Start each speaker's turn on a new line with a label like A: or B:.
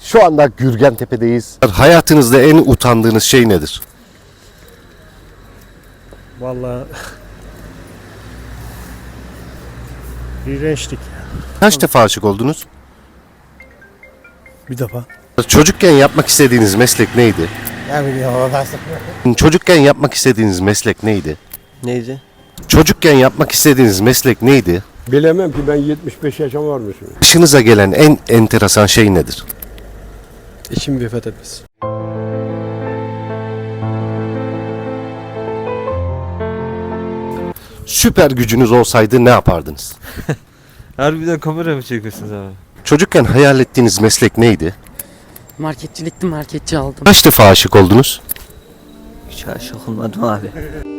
A: Şu anda Gürgentepe'deyiz. Hayatınızda en utandığınız şey nedir?
B: Vallahi iğrençlik.
A: Kaç defa aşık oldunuz?
B: Bir defa.
A: Çocukken yapmak istediğiniz meslek neydi?
B: Ne bileyim
A: Çocukken yapmak istediğiniz meslek neydi?
C: Neydi?
A: Çocukken yapmak istediğiniz meslek neydi?
D: Bilemem ki, ben 75 yaşım varmışım.
A: Başınıza gelen en enteresan şey nedir?
B: Eşim vefat etmesi.
A: Süper gücünüz olsaydı ne yapardınız?
C: Harbiden kamera mı çekiyorsunuz abi?
A: Çocukken hayal ettiğiniz meslek neydi?
E: Marketçilikti, marketçi aldım.
A: Kaç defa aşık oldunuz?
C: Hiç aşık olmadım abi.